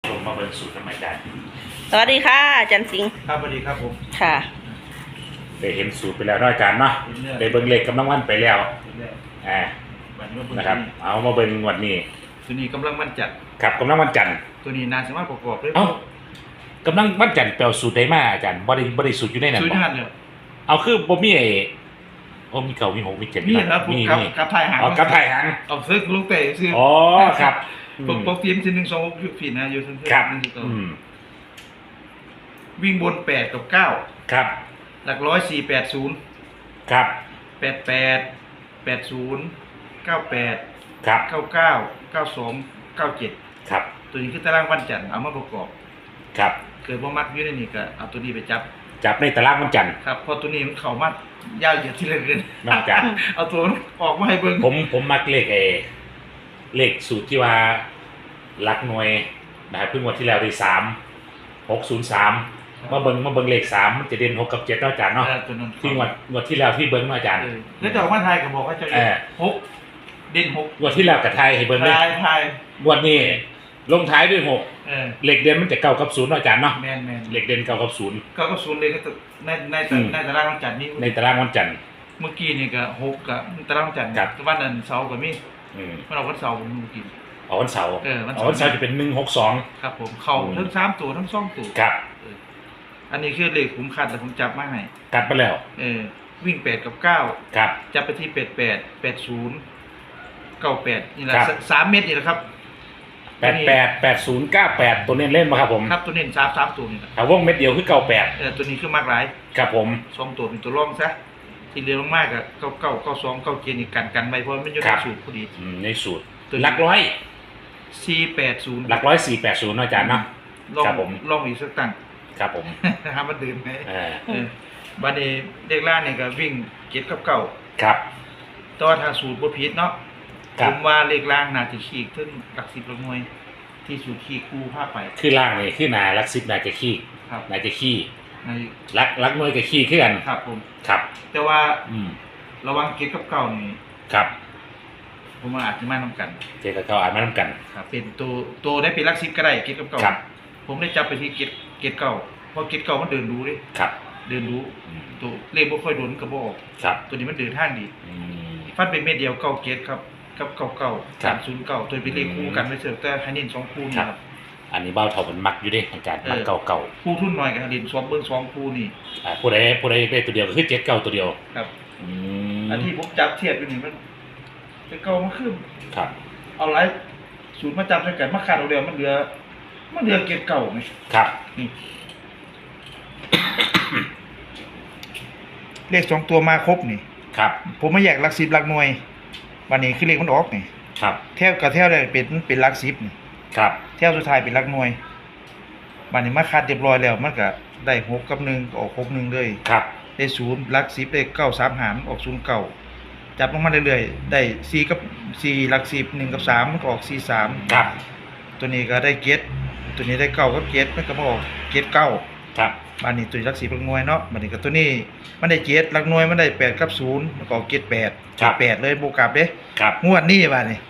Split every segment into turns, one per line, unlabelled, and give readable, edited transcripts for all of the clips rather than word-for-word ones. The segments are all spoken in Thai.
ชมมาเบิ่งสูตรกันใหม่ได้
สวัสดีค่ะอาจารย์สิงห์
ครับสวัสดีครับผม
ค่ะ
ได้เห็นสูตรไปแล้วเนาะอาจารย์เนาะได้เบิ่งเลขกำลังวันไปแล้วนะครับเอามาเบิ่งงวันนี้
ตัวนี้กำลังมันจัด
ครับกำลังวันจันทร์
ตัวนี้นาสามารถประกอบได้
เอ้ากำลังวันจันทร์แปลสูตรได้มาอาจารย์บ่ได้สูตรอยู่ในนั้น
สูตร
บ่
หันเนี่ย
เอาคือบ่มีไอ้โอ้มีเก่ามีหกมีเจ็ด
นี่ครับผม
มี
กับไทยหาง
อ๋อกับไทยหาง
เอาซื้อลูกเตะซื้อ
อ๋อครับ
ปกติมันจะ1 2 6ยุดผิดนะอยู่ทั้ง
ครับ
วิ่งบน8กับ9
ครับ
หลัก100 4 8 0
ครับ
88 80 98
ครับ
99 92 97
ครับ
ตัวนี้คือตารางวันจันทร์เอามาประกอบ
ครับ
เกิดว่ามักอยู่ในนี้ก็เอาตัวนี้ไปจับ
จับในตารางวันจันทร์
ครับเพอตัวนี้มันเข้ามายาวเหยียดที่เหลือเกิน
นอกจาก
เอาตัวมันออกมาให้เบิ่ง
ผมมักเลขสูตรที่ว่าหลักหน่วยนะครับเพิ่งวันที่แล้วได้3603มาเบิ่งเลข3มันจะเด่น6กับ7เนาะอาจารย์เนาะ
ตัวนั้น
ที่งวดที่แล้วที่เบิ่งเนาะอาจารย์
แล้วแต่ว่าไทยก็บอกว่าจะหกเด่นหก
งวดที่แล้วกับไทยให้เบิ่งเลย
ไทย
งวดนี้ลงท้ายด้วย6เลขเด่นมันจะ9กับ0เนาะอาจารย์เนาะ
แมน
เลขเด่น9กับ0
ก็ศูนย์เลยก็ในตารางวันจันทร์นี้
ในตารางวันจันทร์
เมื่อกี้นี่ก็หกกับตารางวันจันทร์
ครับ
วันนั้นเสาร์ก็มี
ม
วันเราวันเสาร์ผมเมื่อกี้
อ๋อวันเสาร์
วัน
อ๋
เสาร์
อวันเสาร์จะเป็น162
ครับผมเข่าทั้ง3ตัวทั้ง2ตัว
ครับ
อันนี้คือเลขผมคัดแต่ผมจับมาให้
กัดไปแล้ว
วิ่ง8กับ9
ครับ
จับไปที่88 80 98นี่แหละ
ครับ
3 เม็ดนี่แหละครับ
888098ตัวเน้นเล่นมาครับผม
ครับตัวเน้น3ตัวนี่แหละ
ถ้าวงเม็ดเดียวคือ98
ตัวนี้คือมากหลาย
ครับผม
2ตัวเป็นตัวรองซะที่เหลือลงมากก็99 92 97นี่กันไว้เพราะมันอยู่ในสูตรพอดี
ในสูตร
ตัวนี้
หลักร้อย
480
หลักร้อย480เนาะอาจารย์เนาะ
ลอง
ครับผม
ลองอีกสักตั้ง
ครับผม
นะครับมันดื่มไหม
เออ
บัดนี้เด็กล่างนี่ก็วิ่ง7กับ9
ครับ
แต่ว่าถ้าสูตรบ่ผิดเนาะ
ครั
ผ
บ
มว่าเลขล่างน่าจะขีกถึงหลัก10หลักหน่วยที่สูตรขีกคู่พาไป
คือล่างนี่คือหนาลักซิบนาจะขี้
ครับ
นาจะขี้
ใน
ลักหน่วยกับขี้คือกัน
ครับผม
ครับ
แต่ว่า
อืม
ระวัง7กับ9นี่
ครับ
ผมว่าอาจจะมานํกัน
เจกับเขาอ่านมาน้ำกัน
ครับเป็นตัวได้เป็นหลัก10ก็ได้7กับ9
ครับ
ผมได้จับไปที่เกตเก่าเพราะเกตเก่ามันเดินรู้ดิ
ครับ
เดินรู้
อืม
ตัวเลขบ่ค่อยโดนกระบอก
ครับ
ตัวนี้มันเดินทางดี
อืม
ฟันเป็นเม็ดเดียวเก้าเกตครับกับเก่าเก่า
ครับ
309ตัวเป็นเลขคู่กันไม่เสิร์ฟแต่ให้เน้น2คู่นี่
ครับ
ครับ
อันนี้เบ้าเท่ามันมักอยู่เดิอาจารย์มักเก่า
คู่ทุนน้อยกับให้เน้น2เบิ่ง2คู่นี่
ผู้ใดได้ตัวเดียวก็คือเจ็ดเก่าตัวเดียว
ครับ
อืม
อันที่ผมจับเทียบอยู่นี่มันเก่ามันคือ
ครับ
เอาหลายสูตรมาจับใส่กันมาขาดเอาเดียวมันเหลือเกตเก่าไง
ครับ
นี่ เลข2ตัวมาครบนี่
ครับ
ผมมาแยกหลัก10หลักหน่วยวันนี้คือเลขมันออกนี่
ครับ
แถวกับแถวได้เป็นหลัก10นี่
ครับ
แถวสุดท้ายเป็นหลักหน่วยวันนี้มาคัดเรียบร้อยแล้วมันก็ได้6กับ1ก็ออก6 1เลย
ครับ
ได้0หลัก10ได้9 3หารออก0 9จับลงมาเรื่อยๆได้4กับ4หลัก10 1กับ3มันก็ออก4 3
ครับ
ตัวนี้ก็ได้เกตตัวนี้ได้9กับเกตมันก็มาออกเกต9
ครับ
บัดนี้ตัวหลัก10หลักหน่วยเนาะบัดนี้ก็ตัวนี้มันได้เกตหลักหน่วยมันได้8กับ0มันก็ออกเกต8 8เลยบ่กลับเด้
ครับ
งวดนี้บัดนี้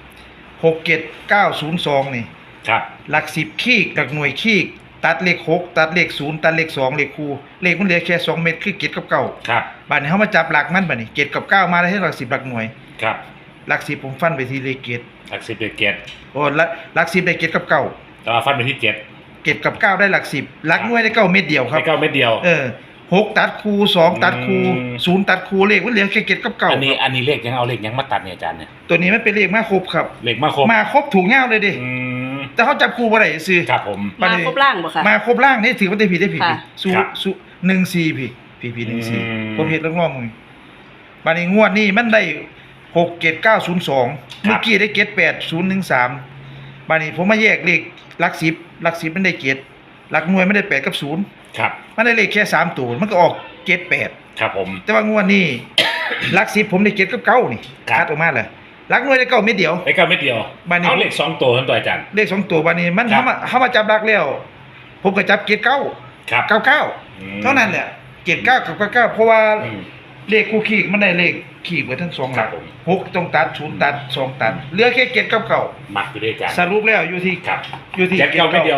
67902นี่
ครับ
หลัก10ขีกหลักหน่วยขีกตัดเลข6ตัดเลข0ตัดเลข2เลขคู่เลขมันเหลือแค่2เม็ดคือเกตกับ9
ครับ
บัดนี้เฮามาจับหลักมันบัดนี้เกตกับ9มาได้ให้หลัก10หลักหน่วย
ครับ
หลัก10ผมฟันไปที่เลขเกต
หลักสิบเด็ดเจ็ด
โอ้หลัก10ได้เกตกับ9
แต่ว่าฟันไปที่เจ็ด
เกตกับ9ได้หลัก10หลักหน่วยได้9เม็ดเดียวครับ
ไม่เก้าเม็ดเดียว
6ตัดคู่2ตัดคู่
อืม
0ตัดคู่เลขมันเหลือแค่เกตกับ9
อันนี้เลขยังเอาเลขยังมาตัดเนี่ยอาจารย์เนี่ย
ตัวนี้มันเป็นเลขมาครบครับ
เลขมาครบ
มาครบถูกยาวเลยดิ
อืม
แต่เขาจับคู่บ่ได้ซื่อ
ครับผม
มาครบล่างบ่คะ
มาครบล่างนี่ถือว่าได้ผิด
ค่ะ
ผิดสู
ครับ
สู14พี่14
อืม
14ผมเฮ็ดลองๆมึงบัดนี้งวดนี้มันได้67902เมื่อกี้ได้เกต8013บัดนี้ผมมาแยกเลขหลัก10มันได้เกตหลักหน่วยมันได้8กับ0
ครับ
มันได้เลขแค่3ตัวมันก็ออกเกต8
ครับผม
แต่ว่างวดนี้ หลัก10ผมได้เกตกับ9นี่
ครับ
คัดออกมาเลยหลักหน่วยได้9เม็ดเดียว
ไม่เก้าเม็ดเดียว
บ้านนี้
เอาเลขสองตัวทั้งตัวอาจารย์
เลข2ตัวบัดนี้มัน
ครับ
เฮามาจับหลักแล้ว ผมก็จับเกต9
ครับ
99
อืม
เท่านั้นแหละเกต9กับ99เพราะว่า
อืม
เลขคู่ขีกมันได้เลขขีกไว้ทั้งสองหลัก
ครับผม
6ต้องตัด0ตัด2ตัดเหลือแค่เกตกับ9
มักอยู่ด้วยอาจารย์
สรุปแล้วอยู่ที่
ครับ
อยู่ที่
เจ็ดเก้าเม็ดเดียว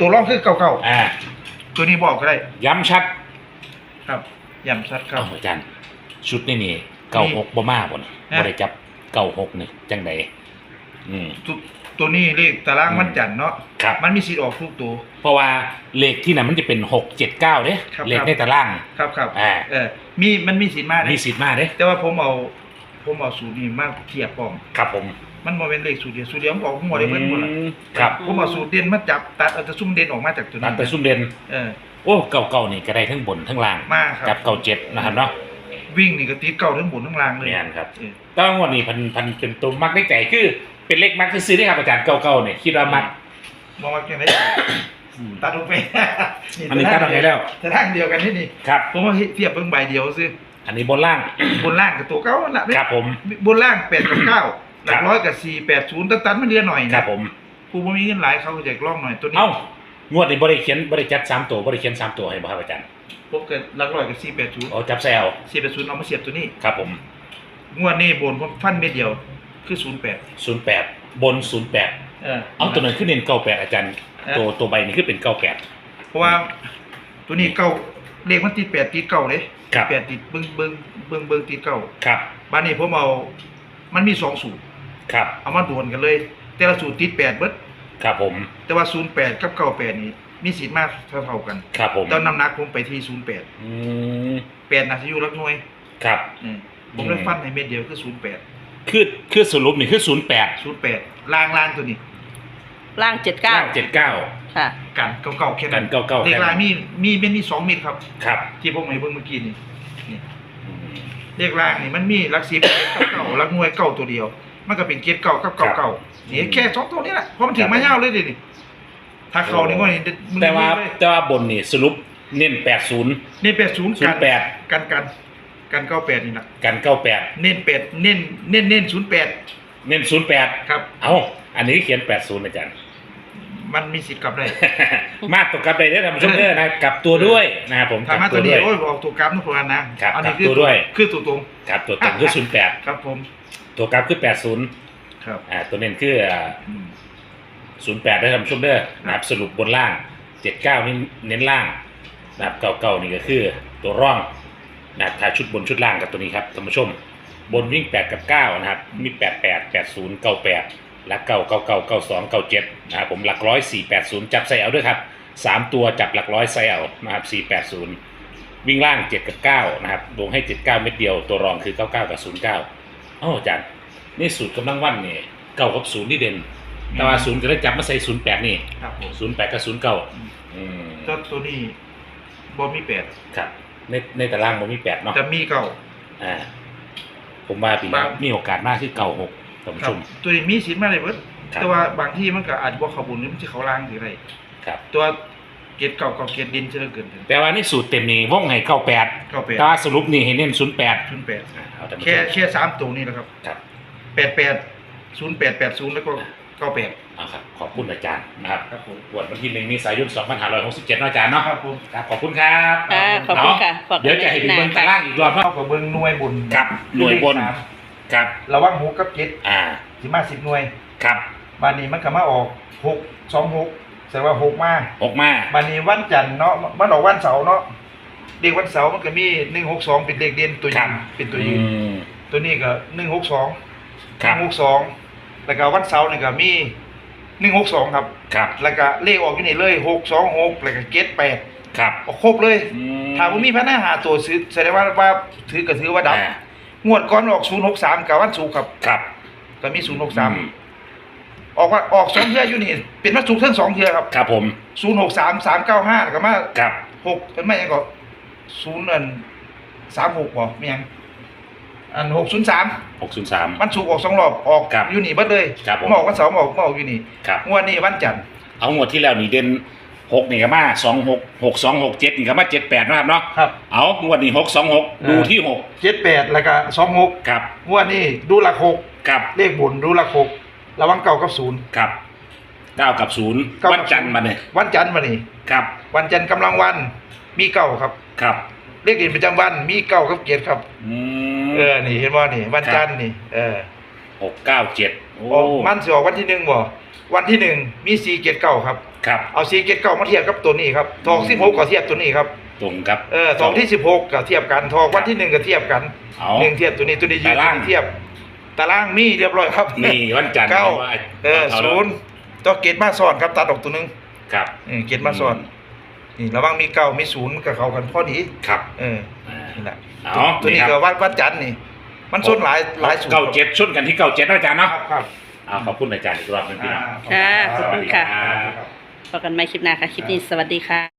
ตัวรองคือเก่า
อ่า
ตัวนี้บอกก็ได้
ย้ำชัด
ครับย้ำชัดครับ
เอาอาจารย์ชุดนี่96บ่มาบ่นี่บ่ได้จับ96นี่จังไดอืม
ตัวนี้เลขตารางวันจันทร์เนาะ
ครับ
มันมีสิทธิ์ออกทุกตัว
เพราะว่าเลขที่นั่นมันจะเป็น6 7 9เด้
ครับ
เลขในตาราง
ครับ
อ่า
มันมีสิทธิ์มาได้
มีสิทธิ์มาเด้
แต่ว่าผมเอาสูตรนี้มาเทียบพร้อม
ครับผม
มันบ่เป็นเลขสูตรเดียวมันออกหัวได้เบิดหมดล่ะ
ครับ
ผมเอาสูตรเด่นมาจับตัดเอาแต่ซุ่มเด่นออกมาจากตัว
ตั
นี้
ดไปซุ่มเด่น
เออ
โอ้เก่าๆนี่ก็ได้ทั้งบนทั้งล่าง
มาครับ
จับ97นะครับเนาะ
วิ่งนี่ก็ติดเก่าทั้งบนทั้งล่างเลย
แม่นครับ
เออ
แตว่างวดนี้พันเป็นตัวมักได้ใจคือเป็นเลขมักซื้อได้ครับอาจารย์เก่าๆเนี่ยคิดว่ามัก
มองว่าจังได๋ตัดลงไป
อันนี้ตัดออกไปแล้ว
แต่ทางเดียวกันนี่
ครับ
ผมว่าเทียบเบิ่งใบเดียวซื่อ
อันนี้บนล่าง
บนล่างกับตัวเก่านั่นล่ะ
ครับผม
บนล่าง8กับ9หลักร้อยกับ4 80ตันมันเรียนหน่อย
ค
นะ
รับผม
ผู้บ่มีเงินหลายเขาก็อยากลองหน่อยตัวนี้
เอ้างวดนี้บริเขียนบริจัด3ตัวบริเขียน3ตัวให้บ่ครับอาจารย์
ผมก็หลักร้อยกับ4 80
เอาจับแซว
480เอามาเสียบตัวนี้
ครับผม
งวดนี้บนผมฟันเม็ดเดียวคือ08
08บน08เอาตัวนั้นขึ้นเน้น98อาจารย์ ตัวใบนี้ขึ้นเป็น98
เพราะว่าตัวนี้เก่าเลขมันติด8ติดเก่าเด้
ครับ
8ติดเบิ่งติดเก่า
ครับ
บัดนี้ผมเอามันมี2สูตร
ครับ
เอามาดวลกันเลย แต่ละสูตรติด8เบิด
ครับผม
แต่ว่า08กับ98นี่มีสิทธิ์มากเท่าๆกัน
ครับผม
แต่น้ำหนักผมไปที่08
อืม
8น่าจะอยู่หลักหน่วย
ครับ
ผมเลยฟันให้เม็ดเดียวคือ08
คือสรุปนี่คือ08
08ล่างตัวนี้
ล่าง
ล่าง
79
79
ค่ะ
กันเก่าๆแค่นั้น
กันเก่าๆ
เลข
แค่นั้น
ล่างมีเป็นมี2เม็ดครับ
ครับ
ที่ผมให้เบิ่งเมื่อกี้นี่
อืม
เลขล่างนี่มันมีหลัก10กับเก่าหลักหน่วยเก่าตัวเดียว มันก็เป็นเกรดเก่ากับเก่าๆนี่แค่2ตัวนี้แหละเพราะมันถึงมายาวเลยดินี่ถ้าเข้านี่ก็นี่
แต่ว่าบนนี่สรุปเน้น80
นี่80กัน
08
กัน98นี่นะ
กัน98
เน้น8เน้น08
เน้น08
ครับ
เอาอันนี้เขียน80อาจารย์
มันมีสิทธิ์กลับได้
มาตกกลับได้เด้อท่านผู้ชมเด้อนะกลับตัวด้วยนะครับผม
ถ้ามาตัวนี้โอ้ยออกตัวกราฟนะพวกนั้นนะครับ อันนี้
กลับตัวด้วย
คือตัวตรง
ครับตัวเต็มคือ08
ครับผม
ตัวกลับคือ80
ครับ
ตัวเน้นคือ08ได้ท่านผู้ชมเด้อนะครับสรุปบนล่าง 79นี่เน้นล่างนะครับ99นี่ก็คือตัวร่องนะครับถ้าชุดบนชุดล่างกับตัวนี้ครับท่านผู้ชมบนวิ่ง8กับ9นะครับมี88 80 98หลัก9 99 92 97นะครับผมหลักร้อย480จับใส่เอาด้วยครับ3ตัวจับหลักร้อยใส่เอานะครับ480วิ่งล่าง7กับ9นะครับลงให้79เม็ดเดียวตัวรองคือ99กับ09อาจารย์นี่สูตรกำลังวันนี่9กับ0นี่เด่นแต่ว่า0ก็ได้จับมาใส่08นี่
ครับผม
08กับ09
ตัวนี้บ่มี8
ครับในตารางมันมี8เนาะ
จะมีเก่า
ผมว่าปีนี้มีโอกาสมากที่96ท่านผู้
ครั
ช
บ
ม
ตัวนี้มีสิทธิ์มาเลยเบิด
ครับ
แต่ว่าบางที่มันก็อาจบ่เข้าบุญหรือมันสิเข้าล่างสิไร
ครับ
ตัวเกรดเก่ากับเกรดดินจะเกินถึง
แต่ว่าในสูตรเต็มนี่วงให้98
98
แต่ว่าสรุปนี่ให้เน้น08
08
เอาท่านผู้ช
แค่
ม
3ตัวนี้แหละครับ
ครับ
88 08 80แล้วก็98
เอาครับขอบคุณอาจารย์นะครับ
ครับผม
วันที่1 เมษายน 2567เนาะอาจารย์เนาะ
ครับผม
ครับขอบคุณครับ
ค่ะขอบคุณค่ะฝาก
เดี๋ยวจะให้ดูเบิ้งตารางอีกรอบเนาะ
เท่ากับเบิ่งหน่วยบุญ
ครับหน่วยบนครับ
ระวัง6กับ7สิมา10หน่วย
ครับ
บานนี้มันก็มาออก6 26แสดงว่า6มา
ออกมา
บานนี้วันจันทร์เนาะมันออกวันเสาร์เนาะเลขวันเสาร์มันก็มี162เป็นเลขเด่นตัวยืนเป็นตัวยืน
ม
ตัวนี้ก็162
ครับ
162แล้วก็วันเสาร์นี่ก็มี162ครับ
ครับ
แล้วก็เลขออกอยู่นี่เลย626แล้วก็78
ครับ
ออกครบเลย
อืม
ถ้าบ่มีพนักหาตัวซื้อแสดงว่าถือก็ถือว่าดับ
อ่าง
วดก่อนออก063กับวันศุกร์ครับ
ครับ
ก็มี
อืม
063ออก2เทื่ออยู่นี่เป็นวันศุกร์ทั้ง2เทื่อครับ
ครับผม
063 395แล้วก็มา
ครับ
6เป็นไม่ยังก็0อัน36บ่ไม่ยังอัน603
603
วันศุกร์ออก2รอบออก
ครับ
อยู่นี่เบิดเลย
ครับผม
มาออกวันเสาร์มาออกอยู่นี่
ครับ
งวดนี้วันจันทร์
เอางวดที่แล้วนี่เด่น6นี่ก็มา26 62 67นี่ก็มา78นะครับเนาะ
ครับ
เอางวดนี้626ดูที่6
78แล้วก็26
ครับ
งวดนี้ดูหลัก6
ครับ
เลขบนดูหลัก6ระวังเก่ากับ0
ครับ9กับ0วันจันทร์มาเนี่ย
วันจันทร์มานี่
ครับ
วันจันทร์กำลังวันมีเก่าครับ
ครับ
เลขเด่นประจำวันมีเก่ากับเกียรติครับ
อืม
นี่เห็นบ่นี่วันจันทร์นี่
697โอ้
ออกมันสิออกวันที่1บ่วันที่หนึ่งมี479ครับ
ครับ
เอา479มาเทียบกับตัวนี้ครับทอง16ก็เทียบตัวนี้ครับ
ตรงครับ
ทองที่16ก็เทียบกันทองวันที่1ก็เทียบกัน
เอา
1เทียบตัวนี้ยืน
ตาราง
เทียบตารางมีเรียบร้อยครับ
นี่วันจันทร์
เก้า
ว่า
ศูนย์ตัวเกตมาซ้อนครับตัดออกตัวหนึง
ครับ
เกตมาซ้อนนี่ระหว่างมีเก้ามีศูนย์กับเขากันพอดี
ครับ
นี่แหละ
เอา
ตัวนี้
ค
ก็
รับ
วัดจันทร์นี่ มันส้นหลายสูตร
เก้าเจ็ดชนกันที่เก้าเจ็ดนะอาจารย์
ครั
เนาะ
บครับ
เอาขอบคุณอาจารย์อีกรอบหนึงพี่น้อง
ค่ะขอบคุณค่ะ
สวัสดีรับ
พบกันใหม่คลิปหน้าค่ะ คลิปนี้สวัสดีค่ะ